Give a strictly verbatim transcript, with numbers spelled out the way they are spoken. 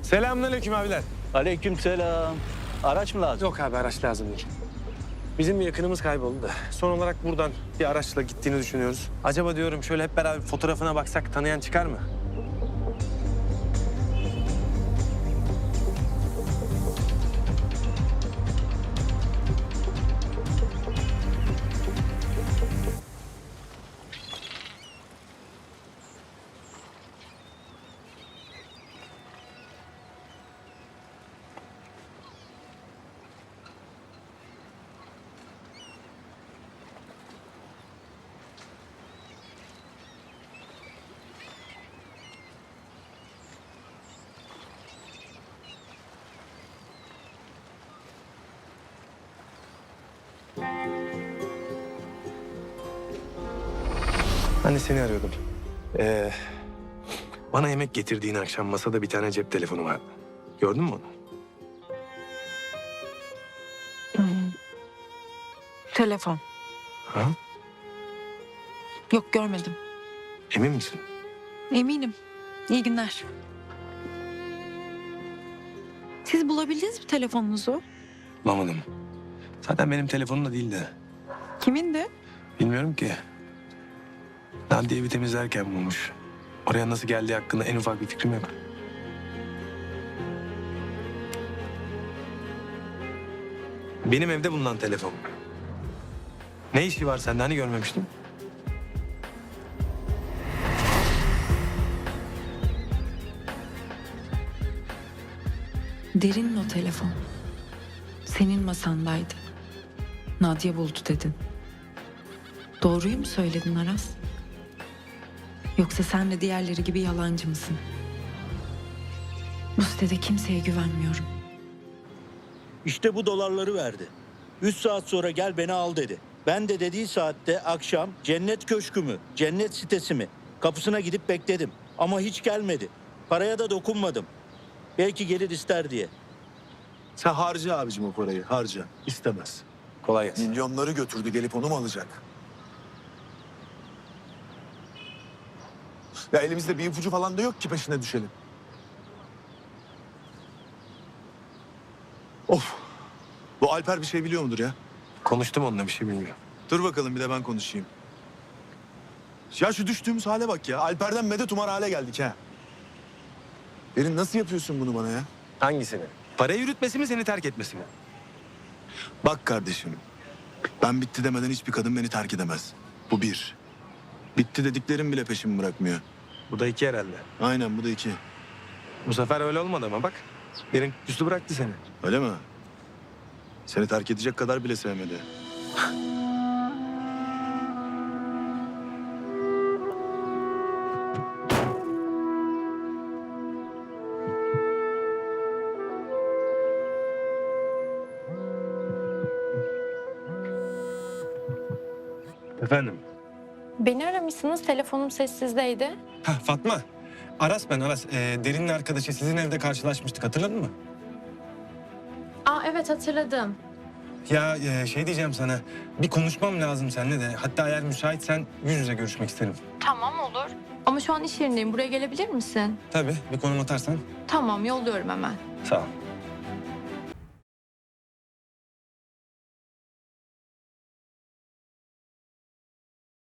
Selamünaleyküm abiler. Aleykümselam. Araç mı lazım? Yok abi araç lazım değil. Bizim bir yakınımız kayboldu da. Son olarak buradan bir araçla gittiğini düşünüyoruz. Acaba diyorum şöyle hep beraber fotoğrafına baksak tanıyan çıkar mı? Ben de seni arıyordum. Ee, bana yemek getirdiğin akşam masada bir tane cep telefonu vardı. Gördün mü onu? Telefon. Ha? Yok görmedim. Emin misin? Eminim. İyi günler. Siz bulabildiniz mi telefonunuzu? Bulamadım. Zaten benim telefonum da değildi. Kimindi? Bilmiyorum ki. Nadiye evi temizlerken bulmuş. Oraya nasıl geldiği hakkında en ufak bir fikrim yok. Benim evde bulunan telefon. Ne işi var sende? Hani görmemiştim? Derin'in o telefon. Senin masandaydı. Nadia buldu dedin. Doğruyu mu söyledin Aras? Yoksa sen de diğerleri gibi yalancı mısın? Bu sitede kimseye güvenmiyorum. İşte bu dolarları verdi. Üç saat sonra gel beni al dedi. Ben de dediği saatte akşam cennet köşkü mü, cennet sitesi mi? Kapısına gidip bekledim. Ama hiç gelmedi. Paraya da dokunmadım. Belki gelir ister diye. Sen harca abicim o parayı, harca. İstemez. Kolay gelsin. Milyonları götürdü, gelip onu mu alacak? Ya elimizde bir ipucu falan da yok ki peşine düşelim. Of! Bu Alper bir şey biliyor mudur ya? Konuştum onunla, bir şey bilmiyorum. Dur bakalım bir de ben konuşayım. Ya şu düştüğümüz hale bak ya. Alper'den medet umar hale geldik ha. Derin nasıl yapıyorsun bunu bana ya? Hangisini? Parayı yürütmesi mi, seni terk etmesi mi? Bak kardeşim. Ben bitti demeden hiçbir kadın beni terk edemez. Bu bir. Bitti dediklerim bile peşimi bırakmıyor. Bu da iki herhalde. Aynen bu da iki. Bu sefer öyle olmadı ama bak. Derin üstü bıraktı seni. Öyle mi? Seni terk edecek kadar bile sevmedi. Efendim? Beni aramışsınız, telefonum sessizdeydi. Ha Fatma. Aras ben Aras. Ee, Derin'in arkadaşı, sizin evde karşılaşmıştık, hatırladın mı? Aa evet hatırladım. Ya e, şey diyeceğim sana. Bir konuşmam lazım seninle de. Hatta eğer müsaitsen yüz yüze görüşmek isterim. Tamam olur. Ama şu an iş yerindeyim, buraya gelebilir misin? Tabii, bir konum atarsan. Tamam, yolluyorum hemen. Sağ ol.